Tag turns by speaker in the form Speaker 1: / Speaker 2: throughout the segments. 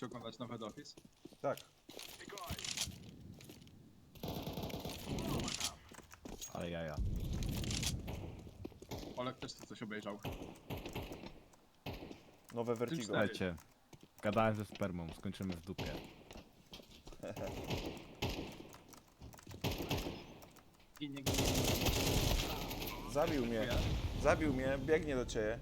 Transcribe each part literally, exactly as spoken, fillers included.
Speaker 1: Chcecie oglądać nowy Head Office?
Speaker 2: Tak.
Speaker 3: Ale jaja.
Speaker 1: Olek też tu coś obejrzał.
Speaker 2: Nowe Vertigo.
Speaker 1: cztery.
Speaker 3: Słuchajcie, gadałem ze spermą, skończymy w dupie.
Speaker 1: I nie
Speaker 2: Zabił mnie. Zabił mnie, biegnie do ciebie.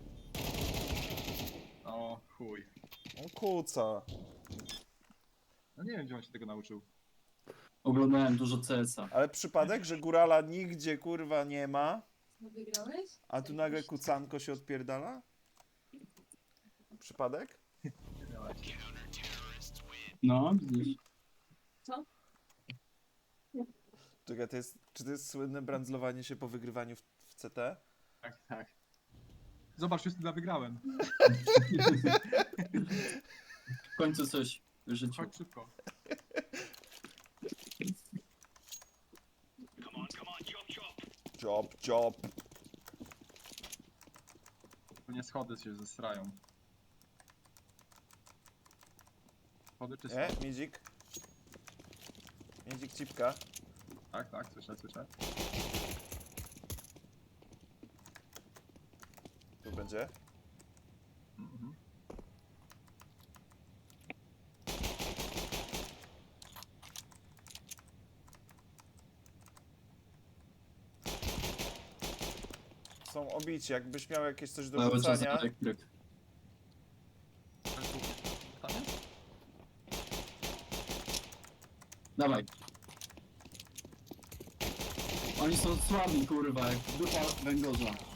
Speaker 1: O chuj.
Speaker 2: On kuca.
Speaker 1: No nie wiem, gdzie on się tego nauczył.
Speaker 4: Oglądałem dużo C S a.
Speaker 2: Ale przypadek, że górala nigdzie kurwa nie ma,
Speaker 5: No wygrałeś?
Speaker 2: a tu nagle kucanko się odpierdala? Przypadek?
Speaker 4: No, widzisz.
Speaker 5: Co?
Speaker 2: Czekaj, to jest, czy to jest słynne brandzlowanie się po wygrywaniu w, w C T?
Speaker 1: Tak, tak. Zobacz, już chyba wygrałem.
Speaker 4: W końcu coś w życiu.
Speaker 1: Chodź szybko.
Speaker 2: Job, job.
Speaker 1: Tu nie schody się zesrają. Schody czy
Speaker 2: Nie,
Speaker 1: schody?
Speaker 2: Midzik? Midzik cipka.
Speaker 1: Tak, tak, słyszę, słyszę.
Speaker 2: Tu będzie.
Speaker 1: Mhm.
Speaker 2: Są obici, jakbyś miał jakieś coś do
Speaker 4: Cały czas
Speaker 2: rzucania.
Speaker 4: elektryk.
Speaker 1: Tam jest?
Speaker 4: Dawaj. Oni są słabi, kurwa, jak dupa węgorza.